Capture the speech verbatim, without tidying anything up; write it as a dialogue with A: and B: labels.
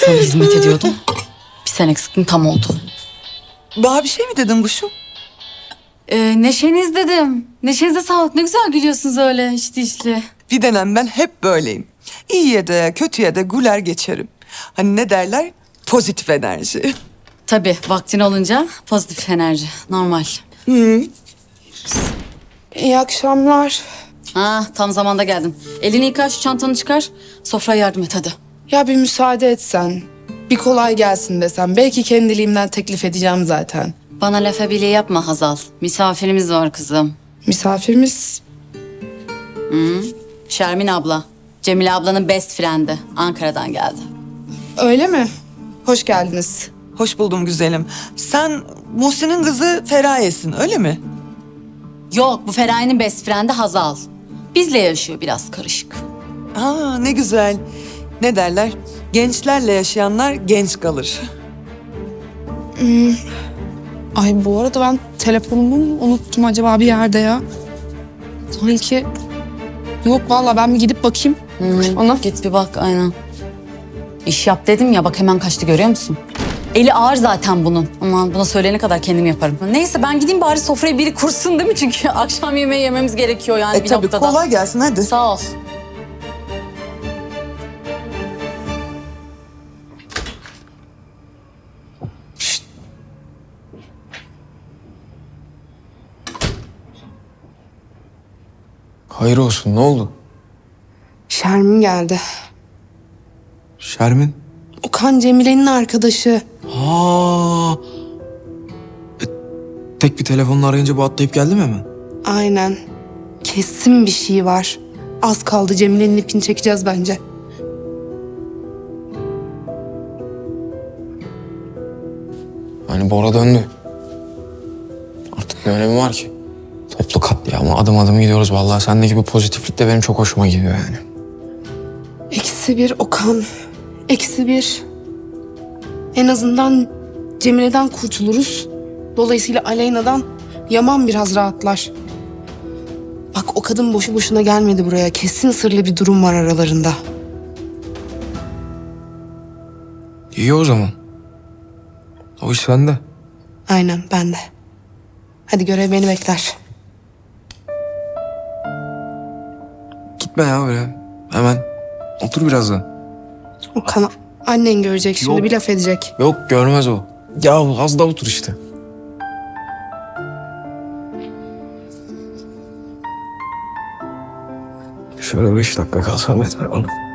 A: sana hizmet ediyordum. Bir sen eksiktin tam oldu.
B: Daha bir şey mi dedin kuşum?
A: Ee, neşeniz dedim. Neşenize sağlık. Ne güzel gülüyorsunuz öyle içli içli.
B: Bir dönem ben hep böyleyim. İyiye de kötüye de güler geçerim. Hani ne derler? Pozitif enerji.
A: Tabii vaktin olunca pozitif enerji. Normal.
C: İyi akşamlar.
A: Ha, tam zamanda geldin. Elini yıka, şu çantanı çıkar. Sofraya yardım et hadi.
C: Ya bir müsaade etsen, bir kolay gelsin desem. Belki kendiliğimden teklif edeceğim zaten.
A: Bana lafa bile yapma Hazal. Misafirimiz var kızım.
C: Misafirimiz
A: Şermin abla. Cemile ablanın best friend'i. Ankara'dan geldi.
C: öyle mi? Hoş geldiniz.
B: Hoş buldum güzelim. Sen Muhsin'in kızı Feraye'sin öyle mi?
A: Yok, bu Feraye'nin best friend'i Hazal. Bizle yaşıyor, biraz karışık.
B: Aa ne güzel. Ne derler? Gençlerle yaşayanlar genç kalır.
C: Ay bu arada ben telefonumu mu unuttum acaba bir yerde ya? Sanki... Yok vallahi ben bir gidip bakayım. Ana.
A: Git bir bak, aynen. İş yap dedim ya, bak hemen kaçtı görüyor musun? Eli ağır zaten bunun. Aman buna söyleyene kadar kendim yaparım. Neyse ben gideyim bari sofrayı biri kursun değil mi? Çünkü akşam yemeği yememiz gerekiyor yani
B: E
A: bir
B: tabii
A: noktada.
B: kolay gelsin hadi.
A: Sağ ol.
D: Hayır olsun, ne oldu?
C: Şermin geldi.
D: Şermin?
C: Okan Cemile'nin arkadaşı.
D: Ha. E, tek bir telefonla arayınca bu atlayıp geldi mi hemen?
C: Aynen. Kesin bir şey var. Az kaldı Cemile'nin ipini çekeceğiz bence.
D: Hani Bora döndü. Artık ne önemi var ki? Toplu katliama adım adım gidiyoruz vallahi. Sendeki bu pozitiflik de benim çok hoşuma gidiyor yani.
C: Eksi bir Okan. Eksi bir. En azından Cemile'den kurtuluruz. Dolayısıyla Aleyna'dan Yaman biraz rahatlar. Bak o kadın boşu boşuna gelmedi buraya. Kesin sırlı bir durum var aralarında.
D: İyi o zaman. O iş sende.
C: Aynen ben de. Hadi görev beni bekler.
D: Gitme ya öyle. Hemen. Otur birazdan.
C: Okan annen görecek şimdi
D: Yok.
C: bir laf edecek.
D: Yok görmez o. Ya az da otur işte. Şöyle beş dakika kalsam yeter bana.